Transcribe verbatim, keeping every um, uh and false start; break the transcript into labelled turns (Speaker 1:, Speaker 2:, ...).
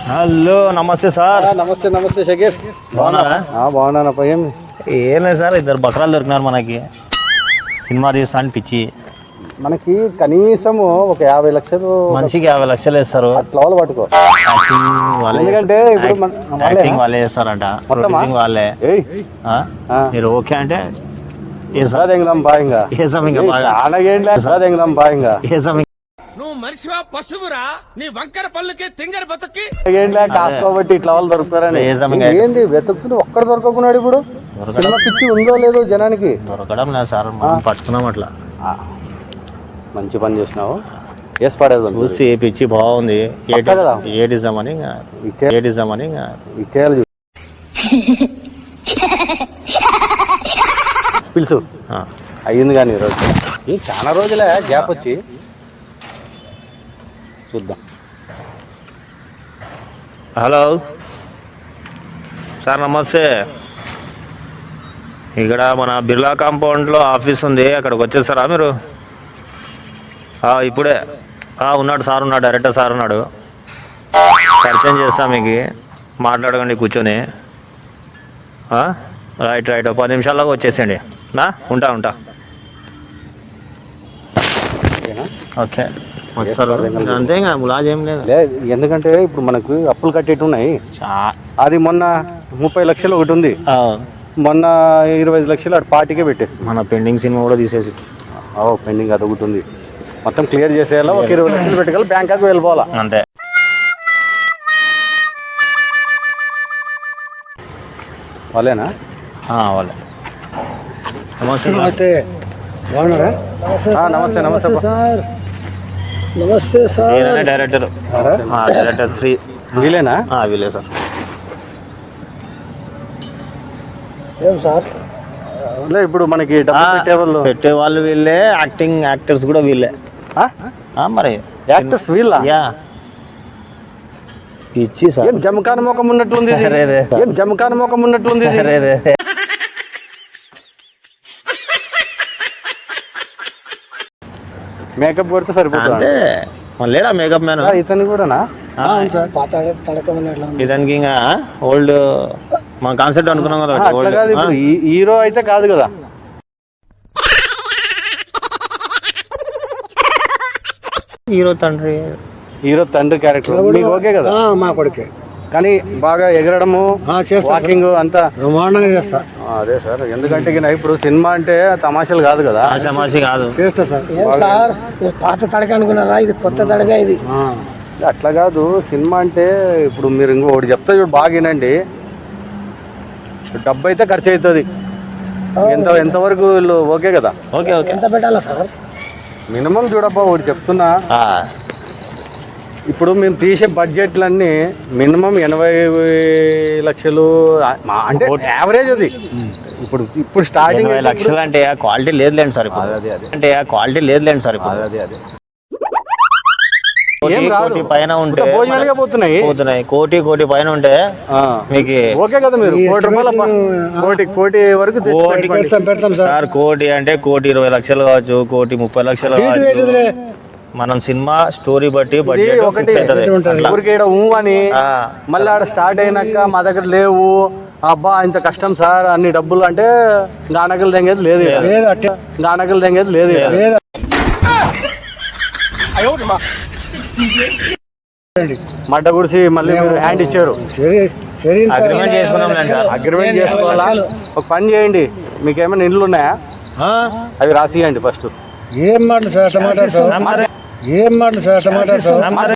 Speaker 1: Hello నమస్తే sir.
Speaker 2: నమస్తే నమస్తే షకీర్,
Speaker 1: బాగున్నారా?
Speaker 2: బాగున్నానప్ప. ఏం
Speaker 1: ఏం లేదు సార్, ఇద్దరు బకరాలు దొరికినారు మనకి. సినిమా తీస్తా అని పిచ్చి.
Speaker 2: మనకి కనీసం ఒక యాభై లక్షలు
Speaker 1: మనిషికి యాభై లక్షలు వేస్తారు.
Speaker 2: అట్లా వాళ్ళు పట్టుకో.
Speaker 1: యాక్టింగ్ వాళ్ళే,
Speaker 2: ఎందుకంటే ఇప్పుడు మన-
Speaker 1: యాక్టింగ్ వాళ్ళే చేస్తారంట, ప్రొడ్యూసింగ్ వాళ్ళే.
Speaker 2: ఏయ్
Speaker 1: ఆ? మీరు ఓకే అంటే
Speaker 2: సాదెంగం బాయింగా
Speaker 1: ఏసాం ఇంకా బాగా.
Speaker 2: చాలా ఏంట్లే సాదెంగం బాయింగా
Speaker 1: ఏసాం
Speaker 3: నువ్వు మనిషివా పశువురా? నీ వంకర పళ్ళుకి తింగర బతుక్కి
Speaker 2: ఏంట్లే కాసుకోబట్టి ఇట్లా వాళ్ళు దొరుకుతారని.
Speaker 1: ఏసాం ఇంకా.
Speaker 2: ఏంది వెతుకుతుంటే ఒక్కడ దొరకకున్నాడు. ఇప్పుడు సినిమా పిచ్చి ఉందో లేదో జనానికి.
Speaker 1: దొరకడం లేదు సార్, మనం పట్టుకున్నాం అట్లా.
Speaker 2: మంచి పని చేసినావు. ఎస్ పడేది
Speaker 1: చూసి పిచ్చి బాగుంది.
Speaker 2: పక్కా కదా?
Speaker 1: ఏడిజామని
Speaker 2: ఇచ్చే
Speaker 1: ఏడిజామని
Speaker 2: ఇచ్చేయాలి. పిలుసు అయ్యింది కానీ ఈరోజు ఈ చాలా రోజులే గ్యాప్ వచ్చి చూద్దాం.
Speaker 1: హలో సార్, నమస్తే. ఇక్కడ మన బిర్లా కాంపౌండ్లో ఆఫీస్ ఉంది, అక్కడికి వచ్చేస్తారా మీరు? ఇప్పుడే ఉన్నాడు సార్, ఉన్నాడు, డైరెక్టర్ సార్ ఉన్నాడు. పరిచయం చేస్తా మీకు, మాట్లాడకండి కూర్చొని. రైట్ రైట్ పది నిమిషాల్లో వచ్చేసేయండి. నా ఉంటా ఉంటా ఓకే. అంతే ఇంకా ములాజ్ ఏం లేదు.
Speaker 2: ఎందుకంటే ఇప్పుడు మనకు అప్పులు కట్టేటి ఉన్నాయి. అది మొన్న ముప్పై లక్షలు ఒకటి ఉంది, మొన్న ఇరవై ఐదు లక్షలు అటు పార్టీకే పెట్టేసి
Speaker 1: మన పెండింగ్ సినిమా కూడా తీసేసి
Speaker 2: పెండింగ్ అది ఒకటి ఉంది. మొత్తం క్లియర్ చేసేయాలా. ఒక ఇరవై లక్షలు పెట్టుకోవాలి, బ్యాంకాక్ వెళ్ళిపోవాలా
Speaker 1: అంతే.
Speaker 2: వాళ్ళేనా?
Speaker 1: వాళ్ళే. నమస్తే
Speaker 4: నమస్తే, బాగున్నారా?
Speaker 2: నమస్తే నమస్తే
Speaker 4: సార్. నమస్తే సార్.
Speaker 1: డైరెక్టర్ డైరెక్టర్ శ్రీ
Speaker 2: వీలేనా?
Speaker 1: వీలే సార్.
Speaker 4: ఏం సార్?
Speaker 2: ఇప్పుడు మనకి డబ్బులు పెట్టేవాళ్ళు
Speaker 1: పెట్టే వాళ్ళు వీళ్ళే, యాక్టింగ్ యాక్టర్స్ కూడా వీళ్ళే. మరి
Speaker 2: యాక్టర్స్ వీళ్ళ
Speaker 1: ఇచ్చి సార్.
Speaker 2: ఏం జమకాన ముఖం ఉన్నట్లుంది, ఏం జమకాన ముఖం ఉన్నట్లుంది. మేకప్ కొడితే సరిపోతుంది.
Speaker 1: లేడా మేకప్ మ్యాన్
Speaker 2: ఇతను కూడానా?
Speaker 1: ఇతనికి ఇంకా ఓల్డ్ మన కాన్సెప్ట్ అనుకున్నాం కదా.
Speaker 2: అట్లా కాదు, ఇప్పుడు హీరో అయితే కాదు కదా.
Speaker 1: హీరో తండ్రి,
Speaker 2: హీరో తండ్రి క్యారెక్టర్ మీకు ఓకే కదా?
Speaker 4: మా కొడుకే,
Speaker 2: కానీ బాగా ఎగరడము, వాకింగ్ అంతా
Speaker 4: బ్రహ్మాండంగా చేస్తా.
Speaker 2: అదే సార్, ఎందుకంటే ఇప్పుడు సినిమా అంటే తమాషాలు కాదు కదా.
Speaker 1: తమాషా కాదు,
Speaker 4: చేస్తా సార్. సార్ పాత తడక అనుకున్నారా? ఇది కొత్త తడక. ఇది
Speaker 2: అట్లా కాదు. సినిమా అంటే ఇప్పుడు మీరు ఇంకోటి చెప్తా చూడు, బాగా వినండి. డబ్బు అయితే ఖర్చు అవుతుంది. ఎంత ఎంతవరకు వీళ్ళు ఓకే కదా?
Speaker 1: Okay okay.
Speaker 4: ఎంత పెట్టాలా సార్?
Speaker 2: మినిమం చూడబ్బా, ఒకటి చెప్తున్నా. ఇప్పుడు మేము తీసే బడ్జెట్లన్నీ మినిమం ఎనభై లక్షలు అంటే యావరేజ్. అది ఇప్పుడు ఇప్పుడు స్టార్టింగ్
Speaker 1: లక్షలు అంటే క్వాలిటీ లేదులేండి సార్.
Speaker 2: అదే అదే
Speaker 1: అంటే క్వాలిటీ లేదులేండి సార్.
Speaker 2: అదే అదే
Speaker 1: కోటి పైన ఉంటే
Speaker 2: భోజనాలుగా పోతున్నాయి
Speaker 1: పోతున్నాయి కోటి కోటి పైన ఉంటే మీకు
Speaker 2: ఓకే కదా? మీరు కోటి రూపాయల కోటి కోటి వరకు
Speaker 4: పెడతాం
Speaker 1: సార్. కోటి అంటే కోటి ఇరవై లక్షలు కావచ్చు, కోటి ముప్పై లక్షలు కావచ్చు. మనం సినిమా స్టోరీ బట్టి బడ్జెట్
Speaker 2: ఒకటి ఊ అని మళ్ళీ ఆడ స్టార్ట్ అయినాక మా దగ్గర లేవు, అబ్బా ఇంత కష్టం సార్, అన్ని డబ్బులు అంటే గానకలు తెంగేది లేదు, గానకలు తెంగేది లేదు. మడ్డ గుడిసి మళ్ళీ మీరు హ్యాండ్ ఇచ్చారు,
Speaker 1: అగ్రిమెంట్ చేసుకున్నాం సార్.
Speaker 2: అగ్రిమెంట్ చేసుకోవాలా? ఒక పని చేయండి, మీకేమైనా ఇండ్లు ఉన్నాయా? అవి రాసియండి ఫస్ట్.
Speaker 4: ఏం మాటలు సార్, టమాటా సార్. ఏం మాటలు సార్, టమాటా సార్.